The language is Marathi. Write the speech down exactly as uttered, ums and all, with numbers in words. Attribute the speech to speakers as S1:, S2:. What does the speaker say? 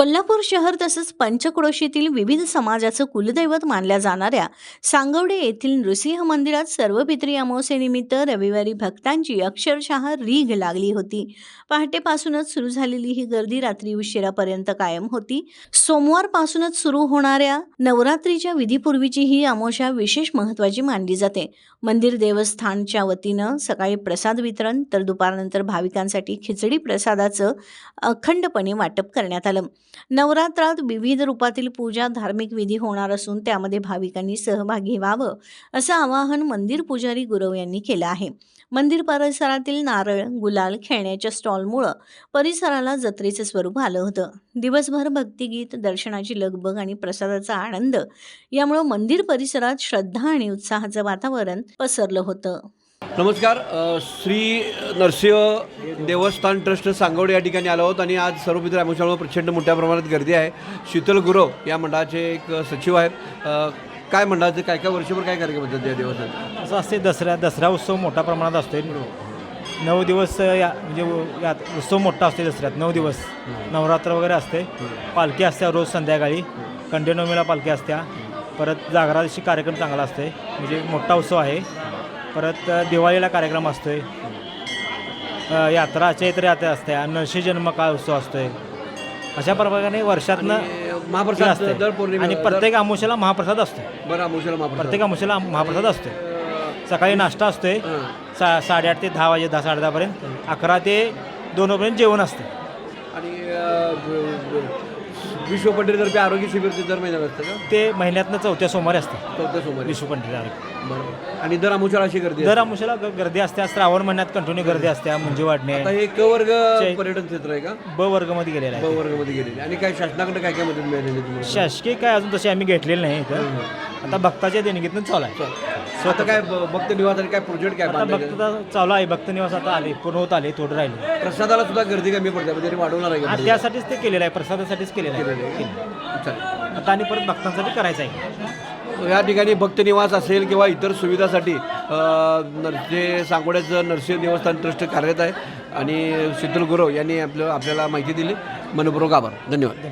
S1: कोल्हापूर शहर तसंच पंचक्रोशीतील विविध समाजाचं कुलदैवत मानल्या जाणाऱ्या सांगवडे येथील नृसिंह मंदिरात सर्वपित्री अमावस्येनिमित्त रविवारी भक्तांची अक्षरशः रीघ लागली होती. पहाटेपासूनच सुरू झालेली ही गर्दी रात्री उशिरापर्यंत कायम होती. सोमवारपासूनच सुरू होणाऱ्या नवरात्रीच्या विधीपूर्वीची ही अमावस्या विशेष महत्त्वाची मानली जाते. मंदिर देवस्थानच्या वतीनं सकाळी प्रसाद वितरण तर दुपारनंतर भाविकांसाठी खिचडी प्रसादाचं अखंडपणे वाटप करण्यात आलं. नवरात्रात विविध रूपातील पूजा धार्मिक विधी होणार असून त्यामध्ये भाविकांनी सहभागी व्हावं असं आवाहन मंदिर पुजारी गुरव यांनी केलं आहे. मंदिर परिसरातील नारळ गुलाल खेळण्याच्या स्टॉलमुळं परिसराला जत्रेचं स्वरूप आलं होतं. दिवसभर भक्तिगीत दर्शनाची लगबग आणि प्रसादाचा आनंद यामुळं मंदिर परिसरात श्रद्धा आणि उत्साहाचं वातावरण पसरलं होतं.
S2: नमस्कार, श्री नरसिंह देवस्थान ट्रस्ट सांगवडे या ठिकाणी आलो आहोत आणि आज सर्वपित्री अमावस्येमुळे प्रचंड मोठ्या प्रमाणात गर्दी आहे. शीतल गुरव या मंडळाचे एक सचिव आहेत. काय मंडळाचे काय काय वर्षभर काय कार्यक्रम होतात या देवस्थानात?
S3: असं असते, दसऱ्या दसरा उत्सव मोठ्या प्रमाणात असतो. नऊ दिवस या म्हणजे यात उत्सव मोठा असते. दसऱ्यात नऊ दिवस नवरात्र वगैरे असते. पालखी असते रोज संध्याकाळी. कंटिन्यूमीला पालखी असत्या. परत जागरा दिवशी कार्यक्रम चांगला असते, म्हणजे मोठा उत्सव आहे. परत दिवाळीला कार्यक्रम असतोय. यात्रा चैत्र यात्रा असते. नरसिंह जन्म काळ उत्सव असतोय. अशा प्रकारे वर्षातनं
S2: महाप्रसाद
S3: असते
S2: दर पौर्णिमा
S3: आणि प्रत्येक अमावस्येला महाप्रसाद असतो.
S2: बरं, अमावस्येला महाप्रसाद
S3: प्रत्येक अमावस्येला महाप्रसाद असतो. सकाळी नाश्ता असतोय सा साडेआठ ते दहा वाजे दहा साडे दहापर्यंत. अकरा ते दोन वाजेपर्यंत जेवण असते.
S2: आणि विश्वपंडितर्फे आरोग्य शिबिर ते दर महिन्यात असतं का?
S3: ते महिन्यातनं चौथ्या सोमवारी असतं.
S2: चौथ्या सोमवारी
S3: विश्वपंडित आरोग्य.
S2: बरोबर. आणि दर अमावस्येला अशी गर्दी
S3: दर अमावस्येला ग- गर्दी असते. श्रावण महिन्यात कंटिन्यू गर्दी असते. म्हणजे वाढणे
S2: आता हे क वर्ग पर्यटन क्षेत्र आहे का?
S3: ब वर्गमध्ये गेलेला
S2: ब
S3: आहे.
S2: वर्गामध्ये गेलेले. आणि काय शासनाकडे काय काय मदत मिळालेली तुम्हाला?
S3: शासकीय काय अजून तशी आम्ही घेतलेली नाही इथं. आता भक्ताच्या देणगीतून चालू आहे.
S2: आता काय ब- भक्त निवास आणि काय प्रोजेक्ट काय
S3: आता
S2: बांधायचे?
S3: भक्त चालू आहे. भक्त निवास आता आले, पूर्ण होत आले, थोडं राहिले.
S2: प्रसादाला सुद्धा गर्दी कमी पडते, म्हणजे वाढवणार आहे
S3: हा,
S2: का?
S3: त्यासाठीच ते केलेलं आहे. प्रसादासाठीच केलेलं आहे.
S2: चालेल.
S3: आता आणि परत भक्तांसाठी करायचं आहे.
S2: या ठिकाणी भक्त निवास असेल किंवा इतर सुविधासाठी अ, नर जे सांगोड्याचं नरसिंह देवस्थान ट्रस्ट कार्यरत आहे आणि शीतल गुरव यांनी आपलं आपल्याला माहिती दिली. मनपूर्वक आभार. धन्यवाद.